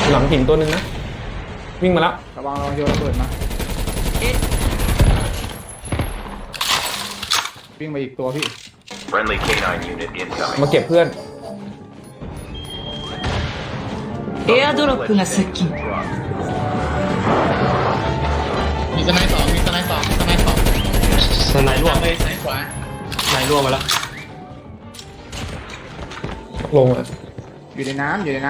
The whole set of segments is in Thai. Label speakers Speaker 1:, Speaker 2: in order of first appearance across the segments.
Speaker 1: หลังหินตัวหนึ่งนะวิ่งมาแล้ว
Speaker 2: ระวังโยนระเบิดนะวิ่งมาอีกตัวพี่
Speaker 3: Friendly K9 unit incoming.
Speaker 1: มาเก็บเพื่อน
Speaker 4: エアドロップが接近
Speaker 5: มีสไนด์สองมีสไนด์สองสไนด์สอง
Speaker 6: สไนร่วง
Speaker 5: เลยสไนด์ขวา
Speaker 6: สไนร่วงมาแล้ว
Speaker 1: ลงอ่ะ
Speaker 2: อยู่ในน้ำอยู่ในน้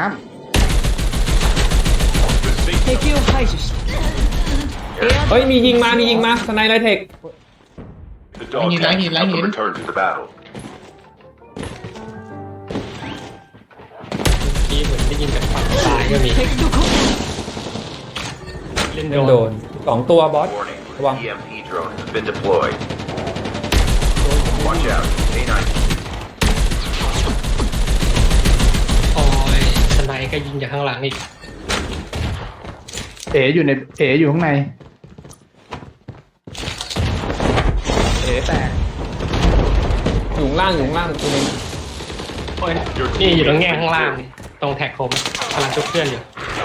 Speaker 4: 敵を排除したエア
Speaker 1: เฮ้ยมียิงมาสไนไลเทค
Speaker 3: The dog tags have to return to the battle.
Speaker 6: ที่เหมือนได้ยินจากฝั่งซ้ายก็มี
Speaker 4: 敵と交
Speaker 6: เล่น
Speaker 1: เล่น
Speaker 6: โด
Speaker 1: โด
Speaker 6: น
Speaker 1: น2ตัวบอส
Speaker 3: Warning,
Speaker 1: Wrong.
Speaker 3: EMP drone has been deployed. Watch out, K9.
Speaker 6: โอ้ยสไนก็ยิงจากข้างหลังอีก
Speaker 2: ำอยู่ข้างในแตก
Speaker 1: อยู่ข้างล่างตัวนึง
Speaker 6: โอ้ยนี่อยู่ตรงแง่ข้างล่างนี่ตรงแท็กผมกำลังชุบเพื่อนอยู่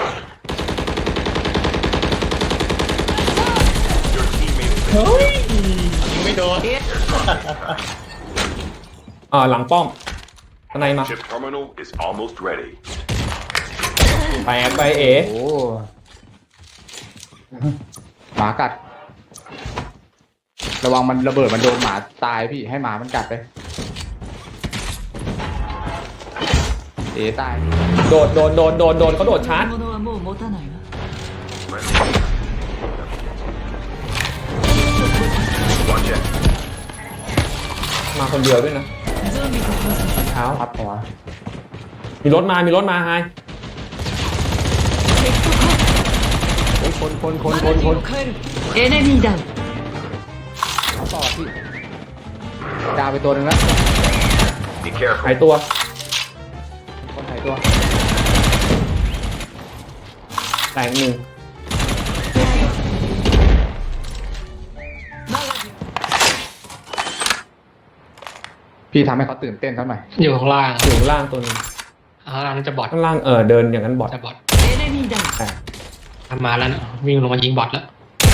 Speaker 3: Your teammate has
Speaker 5: ยิงไม่โดน
Speaker 1: หลังป้อมสไนมา
Speaker 3: been. Chip terminal is almost ready.
Speaker 1: แตกไปเอ
Speaker 2: โอ้หมากัดระวังมันระเบิดมันโดนหมาตายพี่ให้หมามันกัดไปตาย
Speaker 1: โดดเขาโดดชาร์จ
Speaker 4: 物はもう持たないわ
Speaker 3: Friendly. Watch out.
Speaker 1: มาคนเดียวด้วยนะ
Speaker 4: ゾンビと交差
Speaker 1: เท้า
Speaker 2: พับหัว
Speaker 1: มีรถมาไฮ
Speaker 4: 敵と交
Speaker 2: โอ้ยคน
Speaker 4: 差マガジンを変えるエネミーダウン
Speaker 2: ต่อพี่ดาวไปตัวหนึ่งแล้ว
Speaker 3: Be careful.
Speaker 1: หายตัว
Speaker 2: คนหายตัว
Speaker 1: แตกหนึ่ง
Speaker 4: マガジン
Speaker 2: พี่ทำให้เขาตื่นเต้นสักหน่อย
Speaker 6: อยู่ข้างล่าง
Speaker 1: อยู่ข้างล่างตัวนึง
Speaker 6: ข้างล่างนั่นจะบอท
Speaker 1: ข้างล่างเดินอย่างนั้นบอด
Speaker 6: จะบอท
Speaker 4: エネミーダウン
Speaker 1: แตก
Speaker 6: ทำมาแล้วนะวิ่งลงมายิงบอทแล้ว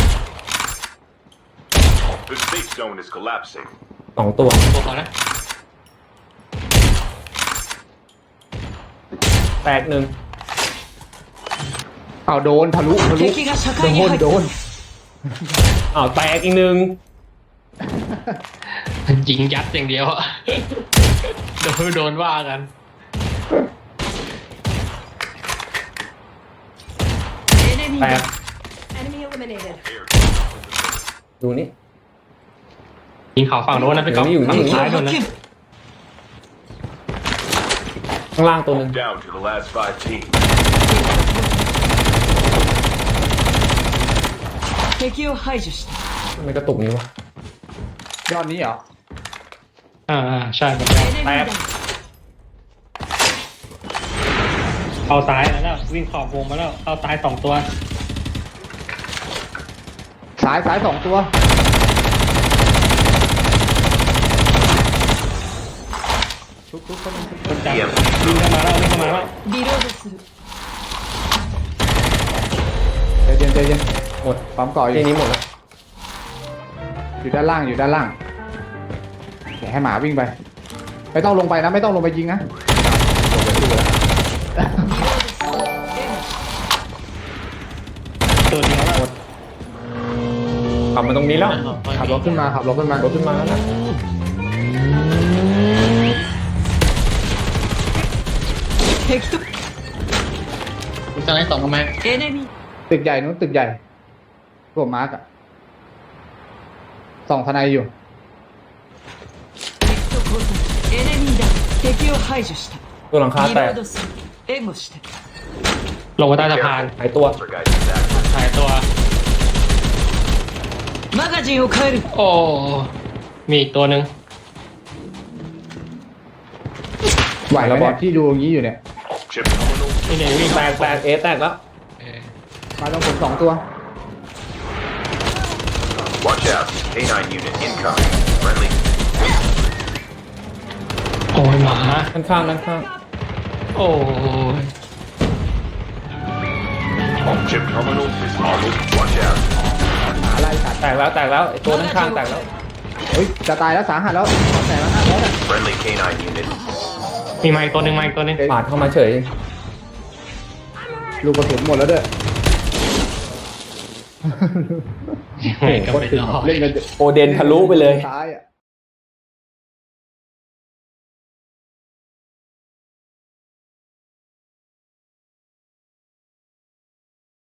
Speaker 3: The safe zone is collapsing.
Speaker 1: 2ตัว
Speaker 6: ตัวก่อนนะ
Speaker 1: แตกหนึ่ง
Speaker 2: เอาโดนทะลุ
Speaker 4: 敵が社会に入った
Speaker 2: โดน
Speaker 1: แตกอีกหนึ่ง
Speaker 6: ยิงยัดอย่างเดียวอะ โดนว่ากัน
Speaker 4: エネミー
Speaker 1: แต
Speaker 4: ダ
Speaker 1: ก
Speaker 4: ウン Enemy eliminated
Speaker 1: ดูนี่
Speaker 6: ยิงเขาฝั่งโน้นนะไปก่อน
Speaker 1: อยู่นี่
Speaker 6: ฝั่งซ้ายโดนนะ
Speaker 1: ข้างล่างตัวนึง
Speaker 3: Down to the last 5 teams.
Speaker 4: 敵を排除した
Speaker 1: ทำไมกระตุกนี้วะ
Speaker 2: ยอดนี้เหรอ
Speaker 6: ใช่แบบนั้น
Speaker 4: エネミーダウン
Speaker 6: เข้าซ้ายแล้ววิ่งขอบวงมาแล้วเข้าซ้าย2ตัว
Speaker 2: ซ้าย2ตัวชุบคนจับ
Speaker 6: วิ่งเข้ามาแล้ว
Speaker 4: リロードする
Speaker 2: ใจเย็น
Speaker 1: หมด
Speaker 2: ปั๊มก่ออ
Speaker 1: ที
Speaker 2: ยู่
Speaker 1: นี้หมดแล้ว
Speaker 2: อยู่ด้านล่างเดี๋ยวให้หมาวิ่งไปไม่ต้องลงไปนะไม่ต้องลงไปยิงนะ
Speaker 6: ตัวเดียวแล้ว
Speaker 1: ขับมาตรงนี้แล้ว
Speaker 2: ขับรถขึ้นมาร
Speaker 1: ถขึ้นมาแล้วนะ
Speaker 4: 敵と
Speaker 5: มีสไนด์สองทำไม
Speaker 4: エネミー
Speaker 2: ตึกใหญ่นู้นตึกใหญ่ตัวมาร์กอะส่องทนายอยู่
Speaker 4: 敵と交差エネミーダウン敵を排除した
Speaker 1: ตัวหลังคา
Speaker 4: リ
Speaker 1: แต
Speaker 4: ロ
Speaker 1: ก
Speaker 4: ードする援護して
Speaker 6: ลงมาใต้สะพาน
Speaker 1: หายตัว
Speaker 3: For guidance active.
Speaker 6: หายตัว
Speaker 4: マガジンを変える
Speaker 6: โอ้มีอีกตัวหนึ่ง
Speaker 2: ไหวแล้วบอสที่ดูอย่างนี้อยู่เนี่ย
Speaker 3: Chip terminal
Speaker 6: นี่เนี่ยวิ่ง
Speaker 1: แตกแตกแล้ว
Speaker 2: มาตรงผม2ตัว
Speaker 3: Watch out, K9 unit incoming. Friendly.
Speaker 6: โอ้ยหมา
Speaker 1: ด้านข้าง
Speaker 6: โอ้ย
Speaker 3: Chip terminal is almost. Watch out.
Speaker 2: หาอะไรสัตว์
Speaker 1: แตกแล้วไอ้ตัวข้างๆแตกแล้ว
Speaker 2: เฮ้ยจะตายแล้วสาหัสแล้วแต่ละห้าแล้วนะ
Speaker 3: Friendly canine unit.
Speaker 6: มีไม้ตัวหนึ่งไม้ตัวหนึ่ง
Speaker 1: ปาดเข้ามาเฉย
Speaker 2: ลูกกระสุนหมดแล้วด้วย
Speaker 6: ไม่ก็ไม่รอด
Speaker 2: เล่นกัน
Speaker 1: โอเดนทะลุไปเลย
Speaker 2: ท้ายอ่ะ